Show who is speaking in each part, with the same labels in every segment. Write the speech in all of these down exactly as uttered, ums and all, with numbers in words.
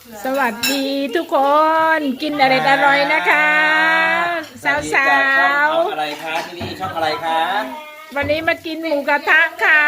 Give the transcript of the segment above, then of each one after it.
Speaker 1: สวัสดีทุกคนกินอะไรอร่อยนะคะสาวสาว
Speaker 2: ช่องอะไรคะที่นี่ช่องอะไรคะ
Speaker 1: วันนี้มากินหมูกระทะค่ะ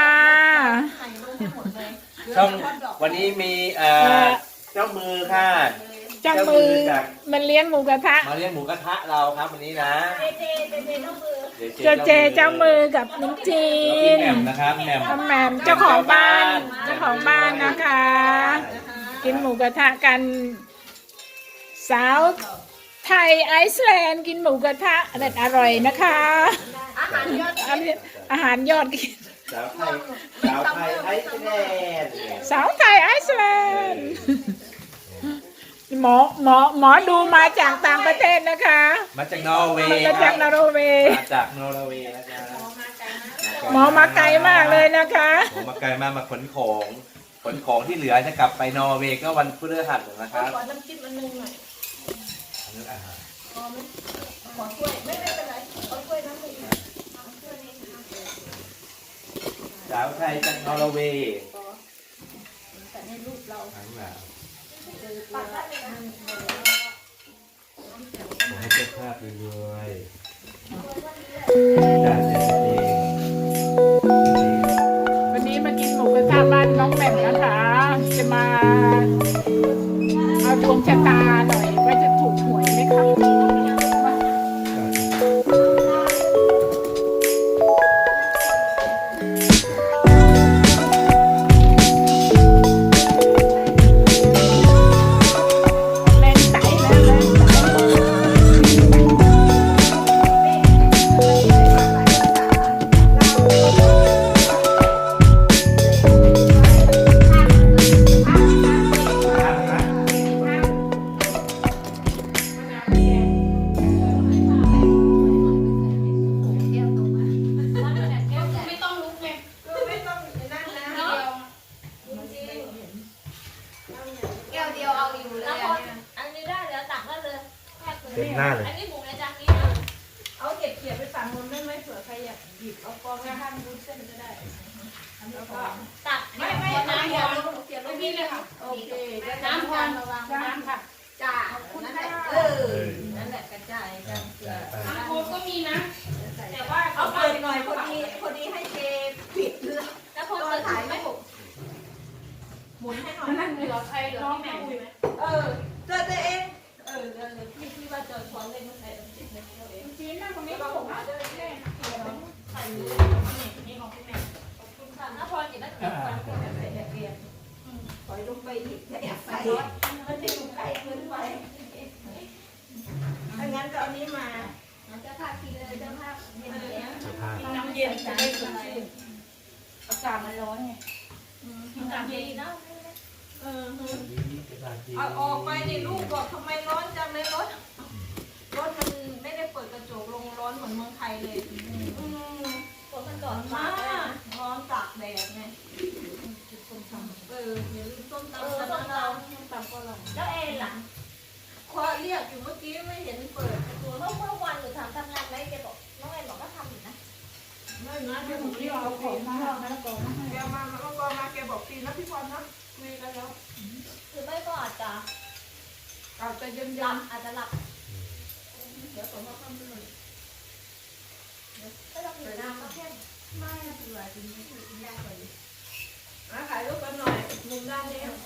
Speaker 2: ช่องวันนี้มีเอ่อเจ้ามือค่ะ
Speaker 1: เจ้ามือ
Speaker 2: จาก
Speaker 1: มันเลี้ยงหมูกระทะ
Speaker 2: มาเลี้ยงหมูกระทะเราครับวันนี้นะ
Speaker 1: เจเจเจ้ามือกับน้องจีน
Speaker 2: แล้วพี่แหม่มนะครับแหม่ม
Speaker 1: พ่อแหม่มเจ้าของบ้านเจ้าของบ้านนะคะ กินหมูกระทะกันสาวไทยไอซ์แลนด์กินหมูกระทะอร่อยอร่อยนะคะอาหารยอดกิน
Speaker 2: สาวไทยสาวไทยไอซ์แลนด์
Speaker 1: สาวไทยไอซ์แลนด์หมอหมอหมอดูมาจากต่างประเทศนะคะ
Speaker 2: มาจากนอร์เวย์
Speaker 1: มาจากนอร์เวย์
Speaker 2: มาจากนอร์เวย์นะคะ
Speaker 1: หมอมาไกลมากเลยนะคะ
Speaker 2: หมอมาไกลมากมาขนของขนของที่เหลือจะกลับไปนอร์เวย์ก็วันพฤหัสนะครับ
Speaker 3: ขอน้ำจิ้มอันนึงหน่อย
Speaker 2: อันนี้อาหาร
Speaker 3: ขอไหมขอถ้วยไม่ไม่เป็นไรขอถ้วยน้ำหนึ่ง
Speaker 2: สาวไทยจากนอร์เวย์
Speaker 3: แต่ในรูปเรา
Speaker 2: ทั้งหลาย
Speaker 3: ปักได้เลยนะ
Speaker 2: ผมให้เจ้าภาพรวยๆจากเด็กเอง
Speaker 1: วันนี้มากินหมูกระทะบ้านน้องแหม่มนะคะ จะมาเอาดวงชะตาหน่อยว่าจะถูกหวยไหมคะแรงไต่แล้วแรงไต่
Speaker 3: ไม่ต้องลุกไงไม่ต้องนั่นนะแก้วเดียวเอาอยู่เลยอันนี้ได้แล้วตักได้เลยแค่คืน
Speaker 2: เต็มหน้าเลย
Speaker 3: อันนี้หมูในจานนี้นะเอาเก็บเขียดไปฝั่งนู้นได้ไหมเผื่อใครอยากหยิบเอากองแล้วห้ามรุดเส้นก็ได้แล้วก็ตักไม่ไม่น้ำเขียดลงเขียดลงนี่เลยค่ะโอเคน้ำพรระวังน้ำค่ะจ้านั่นแหละเออนั่นแหละกระจายกันเกลือ
Speaker 4: น้ำโค้กก็มีนะ แต่ว่า
Speaker 3: เอาเปิดหน่อยพอดีพอดีให้เจปิดเรือ
Speaker 4: แล้วพอ
Speaker 3: ตอ
Speaker 4: เปิ
Speaker 3: น
Speaker 4: ด
Speaker 3: ถ่าย
Speaker 4: ไม่
Speaker 3: ไม่ถูกหมุนให้หน่อย
Speaker 4: นั่นเหลือใครเหลือพี่แหม่มใช่ไหม
Speaker 3: เออเจอตัวเองเออเออพี่พี่ว่าเจอช้อนเล่นมาใส่น้ำจิ้มในตัวเอง
Speaker 1: จีนนั่งตรงนี้ก็ผมว่า
Speaker 4: ใส่มือนี่ของพี่แหม่ม
Speaker 3: ขอบคุณค่ะน้าพรจิตนักเรียนคนเกิดอะไรเรียนถอยลงไปอีกแอบใส่มันจะอยู่ใกล้เกินไปถ้างั้นก็เอานี้มาเจ้าภาพทีเลยเจ้าภาพเย็นแล้ว
Speaker 2: เจ้าภาพ
Speaker 4: น้ำเย็นจะได้สดชื่น
Speaker 1: อากาศมันร้อนไง
Speaker 4: น้ำเย็น
Speaker 3: นะเออเอาออกไปดิลูกบอกทำไมร้อนจังเลยรถรถมันไม่ได้เปิดกระจกลงร้อนเหมือนเมืองไทยเลยอืมฝนมันก่อนมากร้อนตากแดดไงเอออย่าลืมส้มตำส้มตำส้มตำก็อร่อย
Speaker 4: แล้วเอ็นล่ะ
Speaker 3: คว้าเรียกอยู่เมื่อกี้ไม่เห็นเปิดประตู
Speaker 4: เมื่อเมื่อวันหนูถามทำงานไหมแกบอกน้องเอ็นบอกว่าทำอยู่นะ
Speaker 3: ไม่นะ
Speaker 1: เดี๋
Speaker 3: เดี๋
Speaker 1: ย
Speaker 3: ยว ว
Speaker 1: ผ
Speaker 3: ผม ม
Speaker 1: ที่
Speaker 3: ที่
Speaker 1: เอา
Speaker 3: เอา
Speaker 1: ของ
Speaker 3: ของ
Speaker 1: มาแล้วก็มาให้
Speaker 3: แกมาแล้วก็มาแกบอกปีนะพี่พรนะคุยกันแล้ว
Speaker 4: หรือไม่ก็อาจจะ
Speaker 3: อาจจะเย็น
Speaker 4: ห
Speaker 3: ยั
Speaker 4: ลั
Speaker 3: น
Speaker 4: บอาจจะหลับ
Speaker 3: เดี๋ยวผมมาทำเลย
Speaker 4: ก็ต้องอยู่น้ำก็แค่
Speaker 3: ไม่เป็นไรจริงๆยากเลยมาถ่ายรูปกันหน่อยมุมด้านนี้